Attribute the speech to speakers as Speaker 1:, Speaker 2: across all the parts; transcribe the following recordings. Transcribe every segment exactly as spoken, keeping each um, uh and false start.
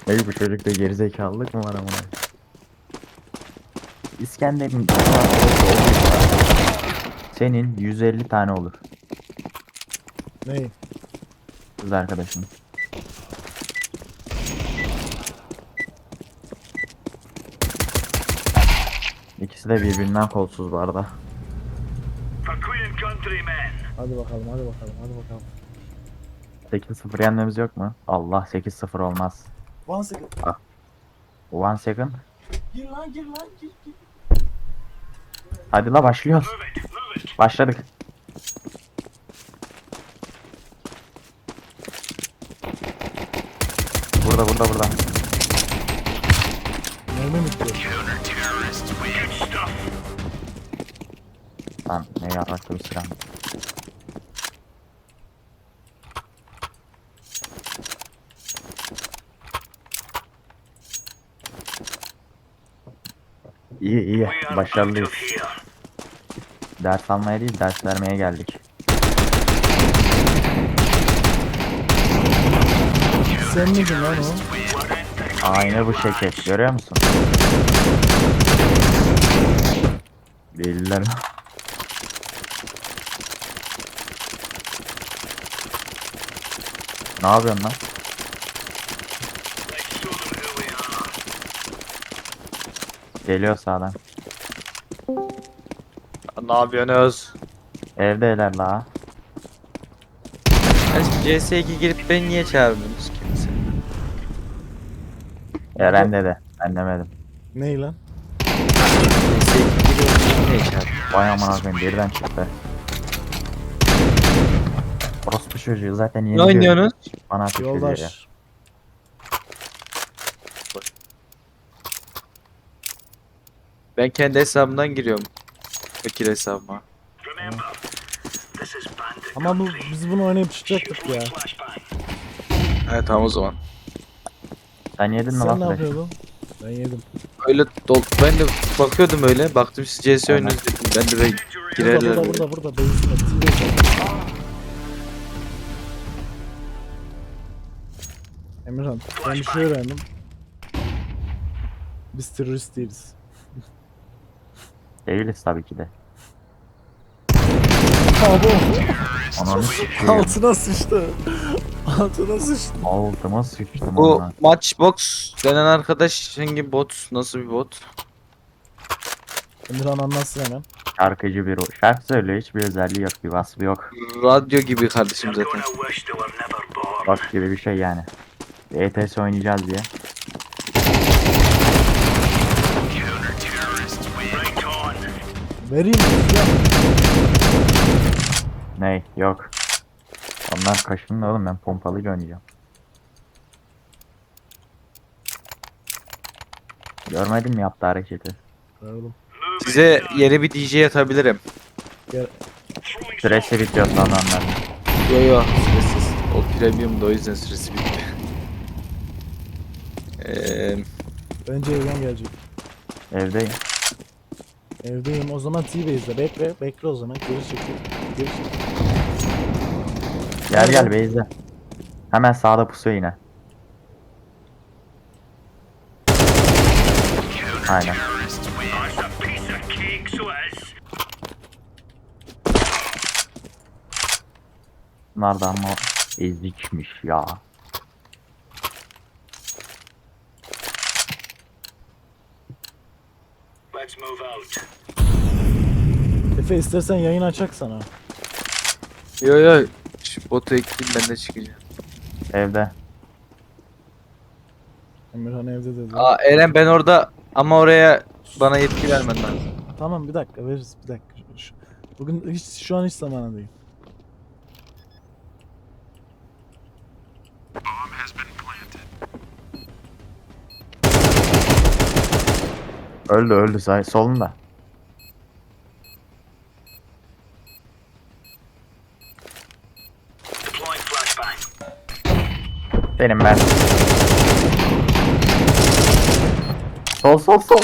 Speaker 1: Ey bu çocukta gerizekalılık mı var amına? İskender'in arkadaşı olduysa senin yüz elli tane olur
Speaker 2: Ney?
Speaker 1: kız arkadaşın. İkisi de birbirinden kolsuz bu arada.
Speaker 2: Hadi bakalım, hadi bakalım, hadi bakalım.
Speaker 1: sekiz sıfır yenmemiz yok mu? Allah, sekiz sıfır olmaz.
Speaker 2: One second.
Speaker 1: Ah, one second.
Speaker 2: Gir lan, gir lan, gir, gir.
Speaker 1: Hadi la başlıyoruz. Başladık. Burada burada burada.
Speaker 2: Mermi bitiyor.
Speaker 1: Lan ne yaraklı bir silah. İyi iyi, başarılıyız. Ders almaya değil, ders vermeye geldik.
Speaker 2: Sen miydin lan o?
Speaker 1: Aynı bu şekil, görüyor musun? Değiller. Ne yapıyorsun lan? Geliyor sağdan.
Speaker 3: Ne yapıyorsunuz?
Speaker 1: Evdeler la.
Speaker 3: Aşkım C S iki girip beni niye çağırmıyorsunuz kimse?
Speaker 1: Eren dedi. Ben demedim.
Speaker 2: Ney lan?
Speaker 3: C S iki giriyor beni niye çağırmıyorsunuz?
Speaker 1: Vay aman abim, birden çıktı. Orospu çocuğu zaten yeni
Speaker 3: Ne oynuyorsunuz?
Speaker 1: Bana ateş ediyor ya.
Speaker 2: Yoldaş.
Speaker 3: Ben kendi hesabımdan giriyorum. Fakir hesabıma.
Speaker 2: Ama bu, biz bunu oynayıp çıkacaktık ya.
Speaker 3: Evet tamam o zaman.
Speaker 1: Sen yedin mi
Speaker 2: Sen
Speaker 1: lan
Speaker 2: ne
Speaker 1: flash?
Speaker 2: yapıyordun? Ben yedim.
Speaker 3: Öyle dol ben de bakıyordum öyle. Baktım siz C S
Speaker 1: Aynen.
Speaker 3: oynuyorsunuz dedim. Ben de böyle
Speaker 2: Burada,
Speaker 3: girerler.
Speaker 2: burada,
Speaker 3: böyle.
Speaker 2: burada, burada. Benzin et. Emirhan, ben bir şey öğrendim. Biz terörist değiliz.
Speaker 1: Değiliz tabii ki de.
Speaker 2: Abo!
Speaker 1: Ananı sikeyim.
Speaker 2: Altına sıçtı. Altına sıçtı.
Speaker 1: Altıma sıçtım
Speaker 3: Bu
Speaker 1: ona.
Speaker 3: Matchbox denen arkadaş hangi bot? Nasıl bir bot?
Speaker 2: Emirhan anlatsın hemen.
Speaker 1: Şarkıcı bir o. Şarkı söylüyor, hiçbir özelliği yok, bir vasfı yok.
Speaker 3: Radyo gibi kardeşim zaten.
Speaker 1: Bak gibi bir şey yani. E T S oynayacağız diye.
Speaker 2: Vereyim mi? Ya.
Speaker 1: Ney? Yok. Onlar kaşındı oğlum, ben pompalıyla oynayacağım. Görmedin mi yaptığı hareketi?
Speaker 2: Ver oğlum.
Speaker 3: Size yeni bir D J atabilirim.
Speaker 2: Gel.
Speaker 1: Süresi bitiyor sananlar.
Speaker 3: Yo yo süresiz. O premium da o yüzden süresi bitti. Eee
Speaker 2: Bence evden gelecek.
Speaker 1: Evdeyim.
Speaker 2: Evdeyim. O zaman T-Base'de. Bekle. Bekle o zaman. Geri çekil. Geri çekil.
Speaker 1: Gel gel
Speaker 2: Nerede?
Speaker 1: Beyza. Hemen sağda pusuyor yine. Aynen. Bunlar da ama ezikmiş ya.
Speaker 2: Efe istersen yayın açak sana.
Speaker 3: yo yo şu botu ekleyeyim ben de çıkacağım.
Speaker 1: Evde.
Speaker 2: Emirhan evde dedi.
Speaker 3: Aa Eren ben orada ama oraya bana yetki vermen lazım.
Speaker 2: Tamam bir dakika veririz bir dakika. Şu- Bugün hiç şu an hiç zamanı değil.
Speaker 1: Öldü öldü say solunda. Benim ben. Sol sol sol.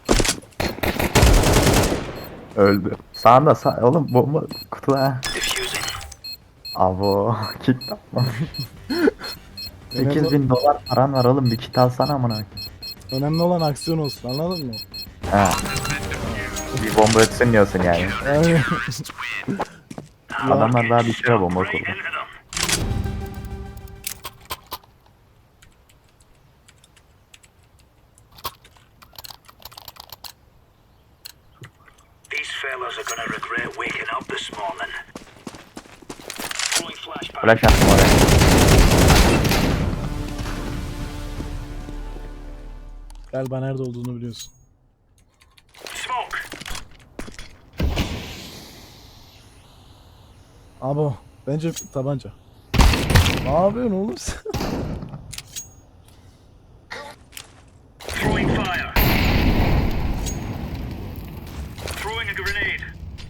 Speaker 1: Öldü. Sağında sağ oğlum, bomba kutuda. Avo kit yapma. sekiz bin dolar paran var oğlum, bir kit alsana amına koyayım.
Speaker 2: Önemli olan aksiyon olsun, anladın mı?
Speaker 1: He. Bir bomba ötsün diyorsun yani.
Speaker 2: Aynen. Ya,
Speaker 1: Adamlar daha bir kere bomba kurdu.
Speaker 4: These fellas are gonna regret waking up this morning. Throwing flashbang.
Speaker 1: Flash attım oraya.
Speaker 2: galiba nerede olduğunu biliyorsun.
Speaker 4: Smoke.
Speaker 2: Abo, bence tabanca. Ne yapıyorsun oğlum sen?
Speaker 4: Throwing fire. Throwing a grenade.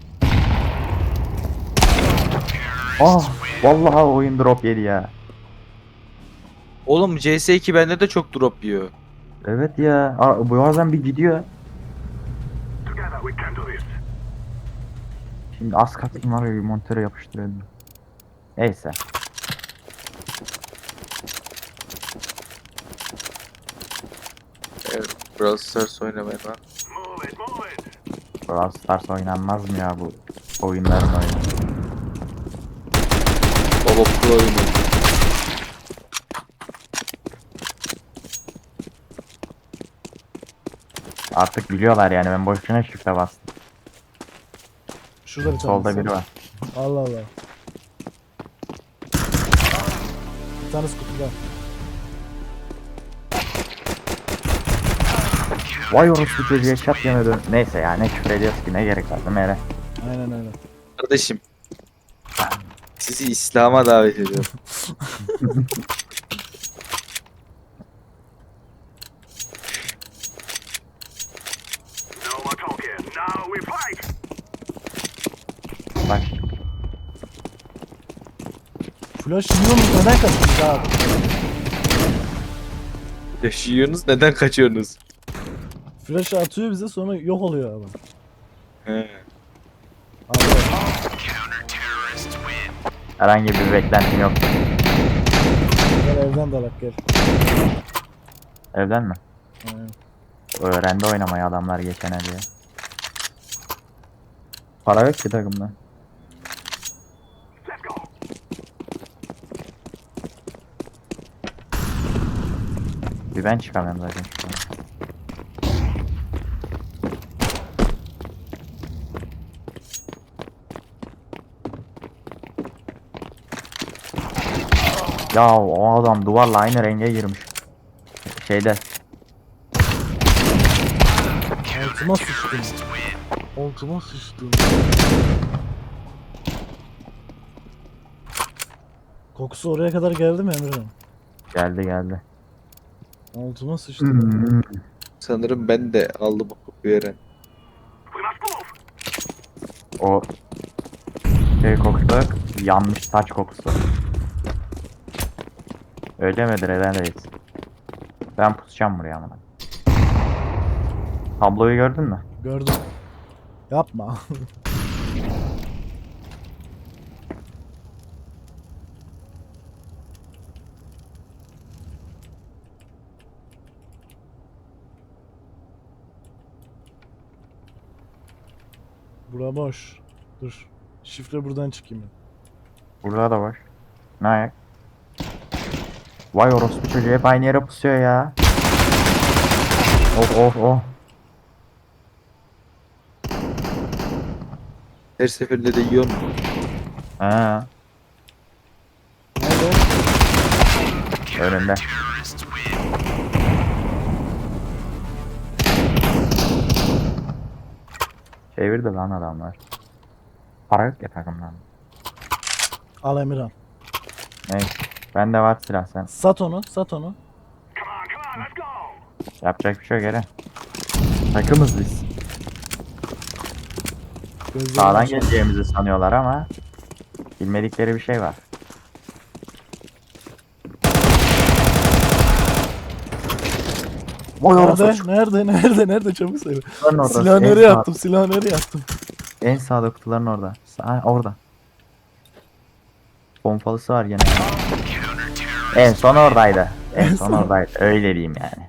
Speaker 1: Ah, vallahi oyun drop yedi ya.
Speaker 3: Oğlum C S iki bende de çok drop yiyor.
Speaker 1: Evet ya. Aa, bu bazen bir gidiyor.
Speaker 4: Together we can do this.
Speaker 1: Şimdi az katım var ya, bir monitöre yapıştırıyordum. Neyse.
Speaker 3: Evet, Brawl Stars oynamayın lan.
Speaker 4: Move it, move it.
Speaker 1: Brawl Stars oynanmaz mı ya, bu oyunların oyunu?
Speaker 3: Baba Pro oyunu.
Speaker 1: Artık biliyorlar yani, ben boşuna şifre bastım.
Speaker 2: Şurada bir tane.
Speaker 1: Solda biri var.
Speaker 2: Allah Allah. Bir tanesi kutuda.
Speaker 1: Vay orospu çocuğa çat yemedi. Neyse ya, ne küfür ediyoruz ki, ne gerek var değil mi Eren?
Speaker 2: Aynen öyle.
Speaker 3: Kardeşim. Sizi İslam'a davet ediyorum.
Speaker 4: No more talking. Now we fight.
Speaker 1: Bak
Speaker 2: Flash yiyor mu? Neden kaçmış abi?
Speaker 3: Yaşıyorsunuz, neden kaçıyorsunuz?
Speaker 2: Flash atıyor bize, sonra yok oluyor abi.
Speaker 3: He.
Speaker 2: Abi.
Speaker 1: herhangi bir beklentim yok.
Speaker 2: Gel evden dalak gel.
Speaker 1: Evden mi?
Speaker 2: Aynen.
Speaker 1: Öğrendi oynamayı adamlar geçene diye. Para yok ki takımda.
Speaker 4: Let's go.
Speaker 1: Bir ben çıkamıyorum zaten şu an. Ya o adam duvarla aynı renge girmiş. Şeyde.
Speaker 2: Altıma sıçtım. Altıma sıçtım. Kokusu oraya kadar geldi mi Emre'nin?
Speaker 1: Geldi geldi.
Speaker 2: Altıma sıçtım.
Speaker 1: Hmm.
Speaker 3: Sanırım ben de aldım o kokuyu Eren.
Speaker 4: We must move.
Speaker 1: O şey kokusu, yanmış saç kokusu. Öyle midir Eren Reis? Ben pusacağım buraya ama. Tabloyu gördün mü?
Speaker 2: Gördüm. Yapma. Bura boş. Dur. Şifre buradan çıkayım ben.
Speaker 1: Burada da var. Ne ayak? Vay orospu çocuğu hep aynı yere pusuyor ya. Oh oh oh.
Speaker 3: Her seferinde de yiyor mu?
Speaker 1: He.
Speaker 2: Nerede?
Speaker 1: Önünde. Çevirdi lan adamlar. Para yok ya takımdan.
Speaker 2: Al Emirhan.
Speaker 1: Neyse. Bende var silah sen.
Speaker 2: Sat onu, sat onu.
Speaker 4: Come on, come on, let's go.
Speaker 1: Yapacak bir şey yok Eren. Takımız biz.
Speaker 2: Gözlerini
Speaker 1: Sağdan
Speaker 2: aç.
Speaker 1: geleceğimizi sanıyorlar ama bilmedikleri bir şey var. Oy orası
Speaker 2: Nerede? Nerede? Nerede? Nerede? Çabuk söyle.
Speaker 1: kutuların orada.
Speaker 2: Silahı
Speaker 1: En
Speaker 2: nereye
Speaker 1: sağ-
Speaker 2: attım? Silahı nereye attım?
Speaker 1: En sağda kutuların orada. Sağ, orada. Pompalısı var gene. En son oradaydı. En
Speaker 2: En
Speaker 1: son
Speaker 2: son.
Speaker 1: oradaydı. Öyle diyeyim yani.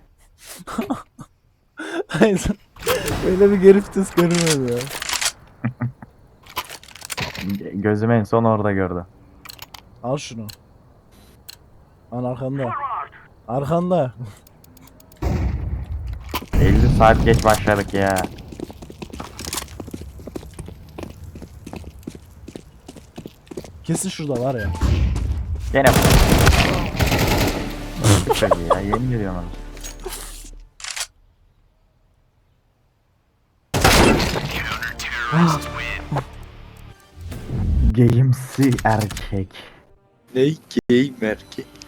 Speaker 2: Hayır. Öyle bir geri vites görünmedi ya.
Speaker 1: Gözüm en son orada gördü.
Speaker 2: Al şunu. Al arkanda. Arkanda.
Speaker 1: elli saat geç başladık ya.
Speaker 2: Kesin şurada var ya.
Speaker 1: Gene çok iyi ya. Yemin ediyorum onu. Game'si erkek.
Speaker 3: Ne game erkek.